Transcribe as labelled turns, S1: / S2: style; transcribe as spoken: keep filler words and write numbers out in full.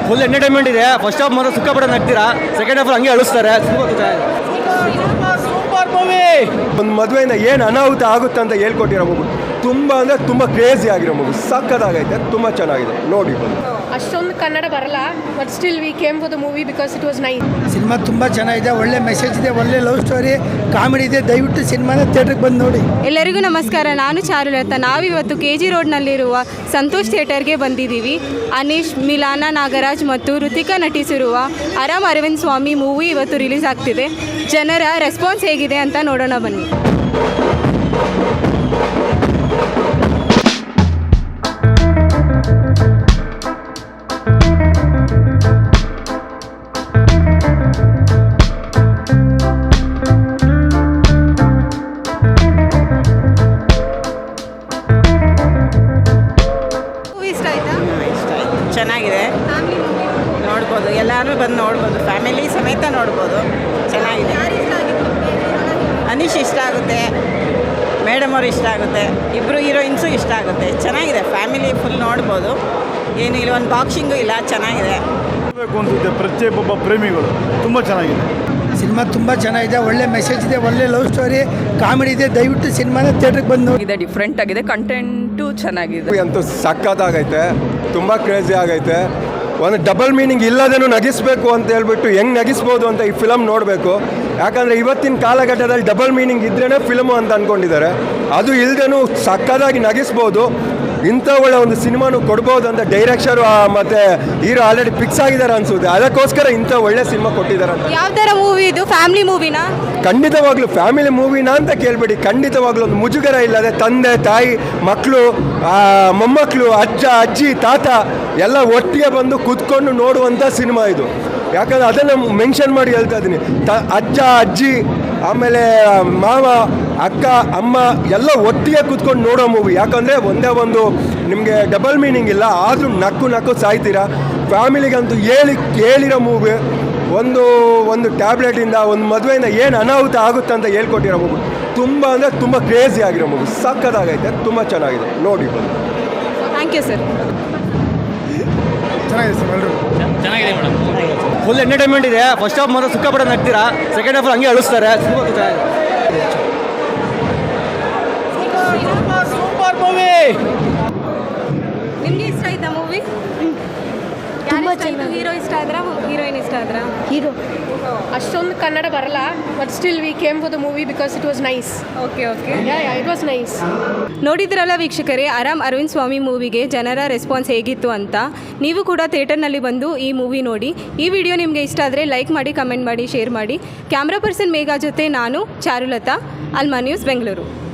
S1: Full entertainment ಇದೆ. First half ಮಾತ್ರ ಸಿಕ್ಕಾಪಟ್ಟೆ ನಗ್ತೀರಾ, ಸೆಕೆಂಡ್ ಹಾಫ್ ಹಂಗೆ ಅಳಿಸ್ತಾರೆ.
S2: Super movie.
S3: ಒಂದು ಮದುವೆಯಿಂದ ಏನು ಅನಾಹುತ ಆಗುತ್ತೆ ಅಂತ ಹೇಳ್ಕೊಟ್ಟಿರೋ ಮೂವಿ ತುಂಬ ಅಂದರೆ ತುಂಬ ಕ್ರೇಜಿ ಆಗಿರೋ ಮೂವಿ, ಸಕ್ಕತ್ತಾಗೈತೆ, ತುಂಬ ಚೆನ್ನಾಗಿದೆ, ನೋಡಿ.
S4: ಅಷ್ಟೊಂದು ಕನ್ನಡ ಬರಲ್ಲ, but still we came for the movie because it was nice.
S2: ಸಿನಿಮಾ ತುಂಬ ಚೆನ್ನಾಗಿದೆ, ಒಳ್ಳೆ ಮೆಸೇಜ್ ಇದೆ, ಒಳ್ಳೆ ಲವ್ ಸ್ಟೋರಿ, ಕಾಮಿಡಿ ಇದೆ. ದಯವಿಟ್ಟು ಸಿನಿಮಾನ ಥಿಯೇಟ್ರಿಗೆ ಬಂದು ನೋಡಿ.
S5: ಎಲ್ಲರಿಗೂ ನಮಸ್ಕಾರ, ನಾನು ಚಾರುಲತಾ. ನಾವಿವತ್ತು ಕೆ ಜಿ ರೋಡ್ನಲ್ಲಿರುವ ಸಂತೋಷ್ ಥಿಯೇಟರ್ಗೆ ಬಂದಿದ್ದೀವಿ. ಅನೀಶ್, ಮಿಲಾನ ನಾಗರಾಜ್ ಮತ್ತು ಋತಿಕಾ ನಟಿಸಿರುವ ಆರಾಮ್ ಅರವಿಂದ್ ಸ್ವಾಮಿ ಮೂವಿ ಇವತ್ತು ರಿಲೀಸ್ ಆಗ್ತಿದೆ. ಜನರ ರೆಸ್ಪಾನ್ಸ್ ಹೇಗಿದೆ ಅಂತ ನೋಡೋಣ ಬನ್ನಿ.
S6: ಚೆನ್ನಾಗಿದೆ, ನೋಡ್ಬೋದು, ಎಲ್ಲರೂ ಬಂದು ನೋಡ್ಬೋದು, ಫ್ಯಾಮಿಲಿ ಸಮೇತ ನೋಡ್ಬೋದು. ಚೆನ್ನಾಗಿದೆ. ಅನೀಶ್ ಇಷ್ಟ ಆಗುತ್ತೆ, ಮೇಡಮ್ ಅವ್ರು ಇಷ್ಟ ಆಗುತ್ತೆ, ಇಬ್ಬರು ಹೀರೋಯಿನ್ಸು ಇಷ್ಟ ಆಗುತ್ತೆ. ಚೆನ್ನಾಗಿದೆ, ಫ್ಯಾಮಿಲಿ ಫುಲ್ ನೋಡ್ಬೋದು. ಏನು ಇಲ್ಲ, ಒಂದು ಬಾಕ್ಸಿಂಗು ಇಲ್ಲ, ಚೆನ್ನಾಗಿದೆ.
S7: ಅನಿಸುತ್ತೆ ಪ್ರತಿಯೊಬ್ಬ ಪ್ರೇಮಿಗಳು. ತುಂಬ ಚೆನ್ನಾಗಿದೆ
S2: ಸಿನಿಮಾ, ತುಂಬ ಚೆನ್ನಾಗಿದೆ, ಒಳ್ಳೆ ಮೆಸೇಜ್ ಇದೆ, ಒಳ್ಳೆ ಲವ್ ಸ್ಟೋರಿ, ಕಾಮಿಡಿ ಇದೆ. ದಯವಿಟ್ಟು ಸಿನಿಮಾನ ಥಿಯೇಟ್ರಿಗೆ ಬಂದು ನೋಡಿ.
S6: ಇದೆ, ಡಿಫ್ರೆಂಟ್ ಆಗಿದೆ, ಕಂಟೆಂಟು ಚೆನ್ನಾಗಿದೆ.
S3: ಅಂತೂ ಸಕ್ಕತ್ತಾಗೈತೆ, ತುಂಬ ಕ್ರೇಜಿ ಆಗೈತೆ. ಒಂದು ಡಬಲ್ ಮೀನಿಂಗ್ ಇಲ್ಲದೇನು ನಗಿಸ್ಬೇಕು ಅಂತ ಹೇಳ್ಬಿಟ್ಟು ಹೆಂಗೆ ನಗಿಸ್ಬೋದು ಅಂತ ಈ ಫಿಲಮ್ ನೋಡಬೇಕು. ಯಾಕಂದರೆ ಇವತ್ತಿನ ಕಾಲಘಟ್ಟದಲ್ಲಿ ಡಬಲ್ ಮೀನಿಂಗ್ ಇದ್ರೇ ಫಿಲಮು ಅಂತ ಅಂದ್ಕೊಂಡಿದ್ದಾರೆ. ಅದು ಇಲ್ಲದೇನು ಸಕ್ಕತ್ತಾಗಿ ನಗಿಸ್ಬೋದು. ಇಂಥ ಒಳ್ಳೆ ಒಂದು ಸಿನಿಮಾನು ಕೊಡ್ಬೋದು ಅಂತ ಡೈರೆಕ್ಷರು ಮತ್ತು ಹೀರೋ ಆಲ್ರೆಡಿ ಫಿಕ್ಸ್ ಆಗಿದ್ದಾರೆ ಅನಿಸುತ್ತೆ. ಅದಕ್ಕೋಸ್ಕರ ಇಂಥ ಒಳ್ಳೆ ಸಿನಿಮಾ ಕೊಟ್ಟಿದ್ದಾರೆ ಅಂತ.
S5: ಯಾವ ಥರ ಮೂವಿ ಇದು? ಫ್ಯಾಮಿಲಿ ಮೂವಿನಾ?
S3: ಖಂಡಿತವಾಗ್ಲೂ ಫ್ಯಾಮಿಲಿ ಮೂವಿನಾ ಅಂತ ಕೇಳಬೇಡಿ. ಖಂಡಿತವಾಗ್ಲೂ ಒಂದು ಮುಜುಗರ ಇಲ್ಲದೆ ತಂದೆ ತಾಯಿ ಮಕ್ಕಳು ಮೊಮ್ಮಕ್ಕಳು ಅಜ್ಜ ಅಜ್ಜಿ ತಾತ ಎಲ್ಲ ಒಟ್ಟಿಗೆ ಬಂದು ಕೂತ್ಕೊಂಡು ನೋಡುವಂಥ ಸಿನಿಮಾ ಇದು. ಯಾಕಂದರೆ ಅದನ್ನು ಮೆನ್ಷನ್ ಮಾಡಿ ಹೇಳ್ತಾ ಇದ್ದೀನಿ. ತ ಅಜ್ಜ ಅಜ್ಜಿ ಆಮೇಲೆ ಮಾವ ಅಕ್ಕ ಅಮ್ಮ ಎಲ್ಲ ಒಟ್ಟಿಗೆ ಕೂತ್ಕೊಂಡು ನೋಡೋ ಮೂವಿ. ಯಾಕಂದರೆ ಒಂದೇ ಒಂದು ನಿಮಗೆ ಡಬಲ್ ಮೀನಿಂಗ್ ಇಲ್ಲ, ಆದರೂ ನಕ್ಕು ನಕ್ಕು ಸಾಯ್ತೀರಾ. ಫ್ಯಾಮಿಲಿಗಂತೂ ಹೇಳಿ ಹೇಳಿರೋ ಮೂವಿ. ಒಂದು ಒಂದು ಟ್ಯಾಬ್ಲೆಟಿಂದ ಒಂದು ಮದುವೆಯಿಂದ ಏನು ಅನಾಹುತ ಆಗುತ್ತೆ ಅಂತ ಹೇಳ್ಕೊಟ್ಟಿರೋ ಮೂವಿ ತುಂಬ ಅಂದರೆ ತುಂಬ ಕ್ರೇಜಿ ಆಗಿರೋ ಮೂವಿ, ಸಕ್ಕತ್ತಾಗೈತೆ, ತುಂಬ ಚೆನ್ನಾಗಿದೆ, ನೋಡಿ.
S5: Thank you sir.
S2: ಚೆನ್ನಾಗಿದೆ ಸರ್, ಎಲ್ಲರೂ
S1: ಚೆನ್ನಾಗಿದೆ ಮೇಡಮ್. ಫುಲ್ ಎಂಟರ್ಟೈನ್ಮೆಂಟ್ ಇದೆ. ಫಸ್ಟ್ ಹಾಫ್ ಮಾತ್ರ ಸಿಕ್ಕಾಪಟ್ಟೆ ನಗ್ತೀರಾ, ಸೆಕೆಂಡ್ ಹಾಫ್ ಹಂಗೆ ಅಳಿಸ್ತಾರೆ.
S2: Super movie.
S5: ನಿಮಗೆ ಇಷ್ಟ ಆಯ್ತಾ ಮೂವಿ? ತುಂಬ ಚೆನ್ನಾಗಿ. ಹೀರೋ ಇಷ್ಟ ಆದ್ರ, ಹೀರೋಯಿನ್ ಇಷ್ಟ ಆದ್ರ?
S4: ಹೀರೋ. ಅಷ್ಟೊಂದು ಕನ್ನಡ ಬರಲ್ಲ, but still we came for the movie because it was nice.
S5: Okay okay
S4: it was nice.
S5: ನೋಡಿದ್ರಲ್ಲ ವೀಕ್ಷಕರೇ, ಆರಾಮ್ ಅರವಿಂದ್ ಸ್ವಾಮಿ ಮೂವಿಗೆ ಜನರ ರೆಸ್ಪಾನ್ಸ್ ಹೇಗಿತ್ತು ಅಂತ. ನೀವು ಕೂಡ ಥಿಯೇಟರ್ನಲ್ಲಿ ಬಂದು ಈ ಮೂವಿ ನೋಡಿ. ಈ ವಿಡಿಯೋ ನಿಮಗೆ ಇಷ್ಟ ಆದರೆ ಲೈಕ್ ಮಾಡಿ, ಕಮೆಂಟ್ ಮಾಡಿ, ಶೇರ್ ಮಾಡಿ. ಕ್ಯಾಮ್ರಾ ಪರ್ಸನ್ ಮೇಘಾ ಜೊತೆ ನಾನು ಚಾರುಲತಾ, ಅಲ್ಮಾ ನ್ಯೂಸ್ ಬೆಂಗಳೂರು.